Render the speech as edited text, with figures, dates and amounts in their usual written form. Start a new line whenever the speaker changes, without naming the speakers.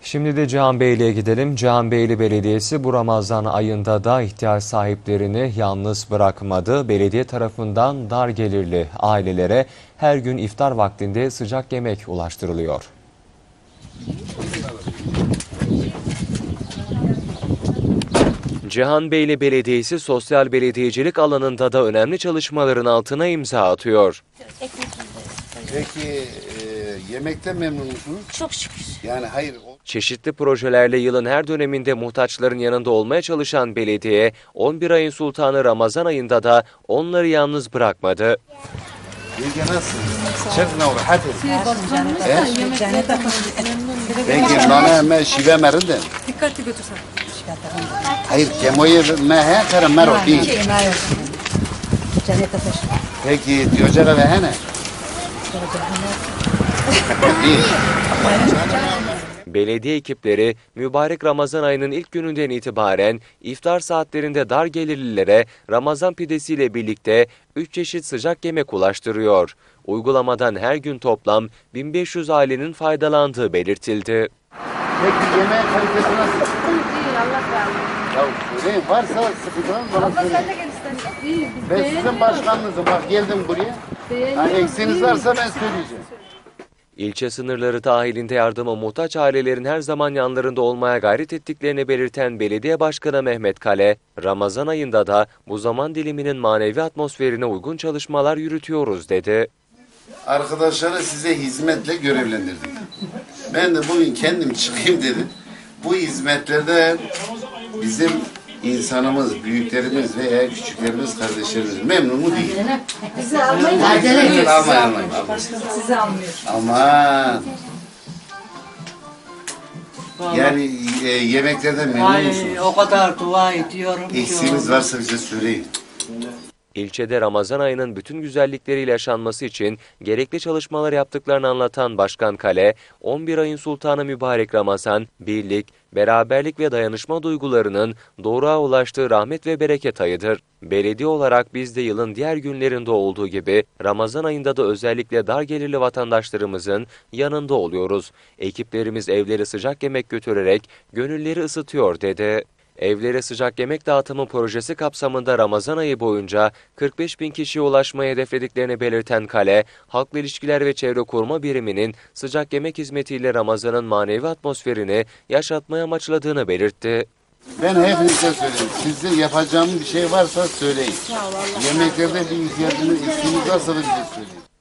Şimdi de Cihanbeyli'ye gidelim. Cihanbeyli Belediyesi bu Ramazan ayında da ihtiyaç sahiplerini yalnız bırakmadı. Belediye tarafından dar gelirli ailelere her gün iftar vaktinde sıcak yemek ulaştırılıyor. Cihanbeyli Belediyesi sosyal belediyecilik alanında da önemli çalışmaların altına imza atıyor.
Peki yemekten memnun musunuz?
Çok şükür.
Yani hayır.
Çeşitli projelerle yılın her döneminde muhtaçların yanında olmaya çalışan belediye, 11 ayın sultanı Ramazan ayında da onları yalnız bırakmadı.
Yenge nasılsınız? Çekme o rahat edin. Peki bana hemen şive merindin.
Dikkatli götürsen.
Hayır kemoyu mehe kere mero değil. Peki diyocara ve hene? Değil.
Belediye ekipleri mübarek Ramazan ayının ilk gününden itibaren iftar saatlerinde dar gelirlilere Ramazan pidesiyle birlikte 3 çeşit sıcak yemek ulaştırıyor. Uygulamadan her gün toplam 1500 ailenin faydalandığı belirtildi.
Peki yemeğin kalitesi nasıl?
İyi, Allah razı olsun.
Ya söyleyin varsa sıkıntınız bana söyleyin.
İyi,
Ben sizin başkanınızım. Bak geldim buraya. Hani eksiğiniz varsa ben söyleyeceğim.
İlçe sınırları dahilinde yardıma muhtaç ailelerin her zaman yanlarında olmaya gayret ettiklerini belirten Belediye Başkanı Mehmet Kale, Ramazan ayında da bu zaman diliminin manevi atmosferine uygun çalışmalar yürütüyoruz dedi.
Arkadaşları size hizmetle görevlendirdik. Ben de bugün kendim çıkayım dedim. Bu hizmetlerde bizim insanımız, büyüklerimiz veya küçüklerimiz, kardeşlerimiz memnun mu değil?
Bizi almayın.
Almayın.
Sizi almıyor.
Aman. Yani yemeklerden memnun musunuz?
O kadar dua ediyorum.
Eksiğiniz varsa bize söyleyin.
İlçede Ramazan ayının bütün güzellikleriyle yaşanması için gerekli çalışmalar yaptıklarını anlatan Başkan Kale, 11 ayın sultanı mübarek Ramazan, birlik, beraberlik ve dayanışma duygularının doğruğa ulaştığı rahmet ve bereket ayıdır. Belediye olarak biz de yılın diğer günlerinde olduğu gibi Ramazan ayında da özellikle dar gelirli vatandaşlarımızın yanında oluyoruz. Ekiplerimiz evlere sıcak yemek götürerek gönülleri ısıtıyor dedi. Evlere sıcak yemek dağıtımı projesi kapsamında Ramazan ayı boyunca 45.000 kişiye ulaşmayı hedeflediklerini belirten Kale, Halkla İlişkiler ve Çevre Koruma Biriminin sıcak yemek hizmetiyle Ramazan'ın manevi atmosferini yaşatmaya amaçladığını belirtti.
Ben hepinize söyleyeyim. Sizde yapacağım bir şey varsa söyleyin. Yemeklerde bir ihtiyacınız, eksiğiniz varsa da bize söyleyin.